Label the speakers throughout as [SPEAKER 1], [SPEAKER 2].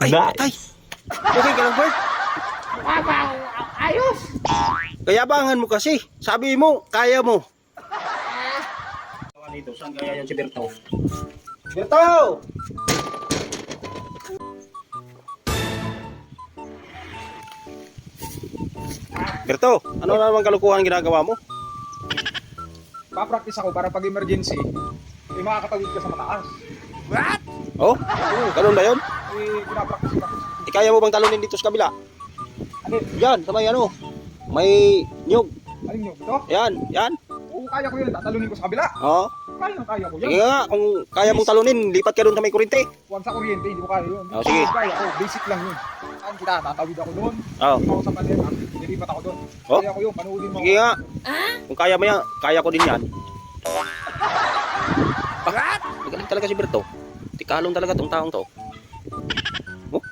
[SPEAKER 1] Ay, patay. Okay ka lang, Bert?
[SPEAKER 2] Ayos!
[SPEAKER 1] Kayabangan mo kasi. Sabi mo, kaya mo. Dito, saan kaya yan si Berto? Berto! Berto, ano na naman kalukuhan ginagawa mo?
[SPEAKER 3] Pa-practice ako para pag emergency, makakatawid ka sa mataas.
[SPEAKER 2] What?
[SPEAKER 1] Oh, ganun ba yun?
[SPEAKER 3] Pinapractice ko.
[SPEAKER 1] Kaya mo bang talunin dito sa kabila?
[SPEAKER 3] Ano?
[SPEAKER 1] Yan, sa may ano, may nyug.
[SPEAKER 3] Alin nyo? Ito?
[SPEAKER 1] Yan.
[SPEAKER 3] Oo, kaya ko yun. Tatalunin ko sa kabila.
[SPEAKER 1] Oh,
[SPEAKER 3] Kaya ko
[SPEAKER 1] sige
[SPEAKER 3] yan.
[SPEAKER 1] nga, kung kaya mong talunin, lipat ka doon sa may kurente.
[SPEAKER 3] Huwag sa kuryente, hindi ko kaya yun.
[SPEAKER 1] Oh, sige.
[SPEAKER 3] Kaya ko, basic lang yun. Saan kita? Tatawid ako doon.
[SPEAKER 1] Oh,
[SPEAKER 3] Doon ako sa panera. Nilipat ako doon.
[SPEAKER 1] Oh?
[SPEAKER 3] Kaya ko yun. Panoodin mo.
[SPEAKER 1] sige nga. Kung kaya mo yan, kaya ko din yan.
[SPEAKER 2] What?
[SPEAKER 1] Magaling talaga si Berto. Tikalong talaga tong taong to. Oh?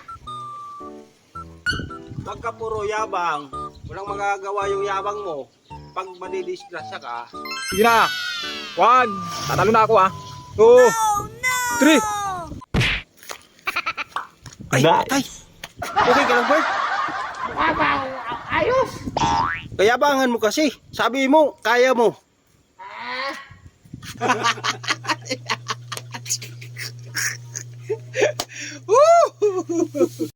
[SPEAKER 1] Pagka puro yabang, walang magagawa yung yabang mo. Pag madidisgrasya ka,
[SPEAKER 3] Sige na. 1. Tatalo na ako, ha. 2. 3.
[SPEAKER 1] ay, patay. Okay ka lang, Bert?
[SPEAKER 2] Ayos!
[SPEAKER 1] Kayabangan mo kasi. Sabi mo, kaya mo.